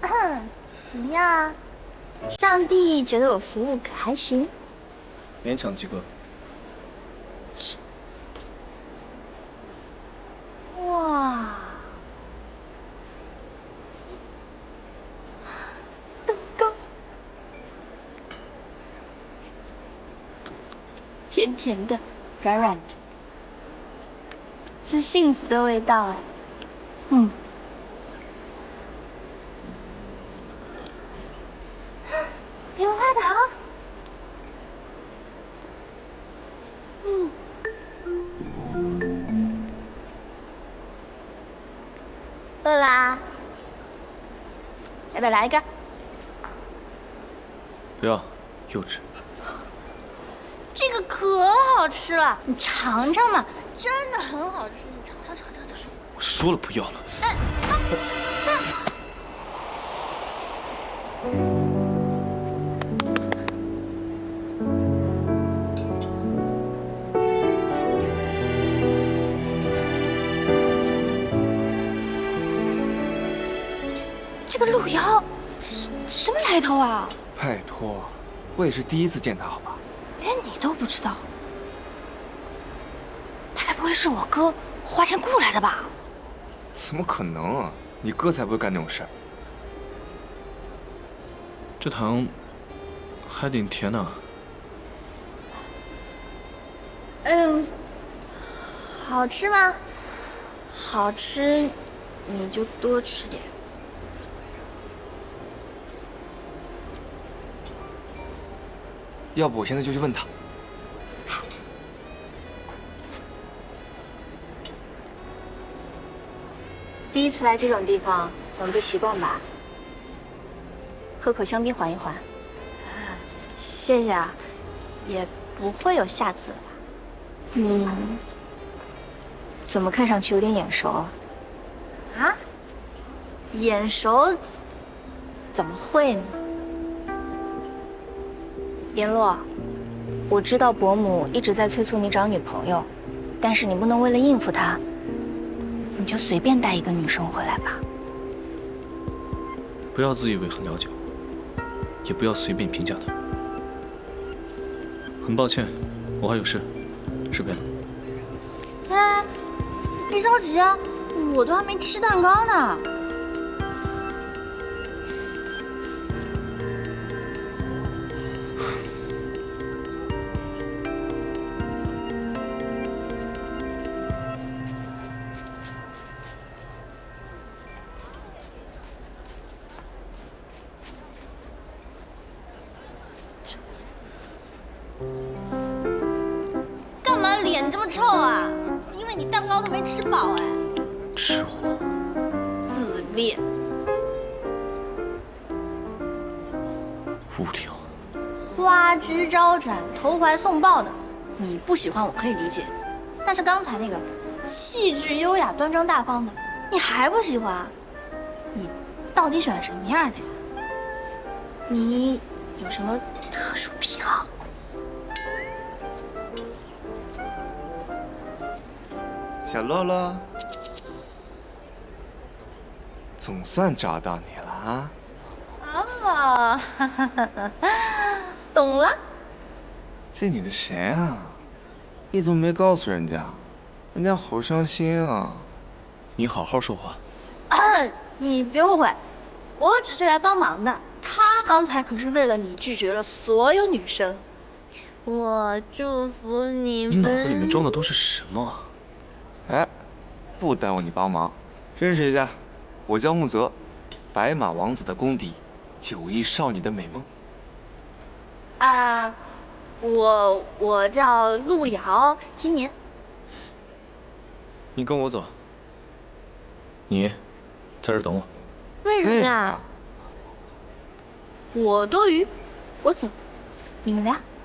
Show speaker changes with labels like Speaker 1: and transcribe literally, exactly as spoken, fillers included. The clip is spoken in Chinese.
Speaker 1: 怎么样啊？上帝觉得我服务可还行？
Speaker 2: 勉强及格。
Speaker 1: 哇，蛋糕，甜甜的，软软的，是幸福的味道哎。嗯。棉花糖。嗯。饿啦？要不要来一个？
Speaker 2: 不要，幼稚。
Speaker 1: 这个可好吃了，你尝尝嘛，真的很好吃，你尝尝尝尝尝。
Speaker 2: 我说了不要了。
Speaker 1: 哎啊啊！这个路遥，什什么来头啊？
Speaker 3: 拜托，我也是第一次见他，好吧？
Speaker 1: 连你都不知道，他该不会是我哥花钱雇来的吧？
Speaker 3: 怎么可能啊！你哥才不会干那种事儿。
Speaker 2: 这糖还挺甜呢。
Speaker 1: 嗯，好吃吗？好吃，你就多吃点。
Speaker 3: 要不我现在就去问他。
Speaker 1: 第一次来这种地方，很不习惯吧？喝口香槟缓一缓。谢谢啊，也不会有下次了吧？你怎么看上去有点眼熟啊？啊？眼熟？怎么会呢？联络，我知道伯母一直在催促你找女朋友，但是你不能为了应付她，你就随便带一个女生回来吧。
Speaker 2: 不要自以为很了解我，也不要随便评价她。很抱歉，我还有事，这边。
Speaker 1: 哎，别着急啊，我都还没吃蛋糕呢。干嘛脸这么臭啊？因为你蛋糕都没吃饱哎。
Speaker 2: 吃货。
Speaker 1: 自恋。
Speaker 2: 无聊。
Speaker 1: 花枝招展、投怀送抱的，你不喜欢我可以理解，但是刚才那个气质优雅、端庄大方的，你还不喜欢？你到底喜欢什么样的呀？你有什么特殊癖好？
Speaker 3: 小乐乐，总算找到你了啊！
Speaker 1: 哦，哈哈哈哈，懂了。
Speaker 3: 这女的谁啊？你怎么没告诉人家？人家好伤心啊！
Speaker 2: 你好好说话。
Speaker 1: 啊，你别误会，我只是来帮忙的。他刚才可是为了你拒绝了所有女生。我祝福你们。
Speaker 2: 你脑子里面装的都是什么？
Speaker 3: 哎，不耽误你帮忙，认识一下，我叫木泽，白马王子的公敌，九亿少女的美梦。
Speaker 1: 啊，我我叫陆瑶，今年。
Speaker 2: 你跟我走。你在这儿等我。
Speaker 1: 为什么呀？我多余，我走，你们俩。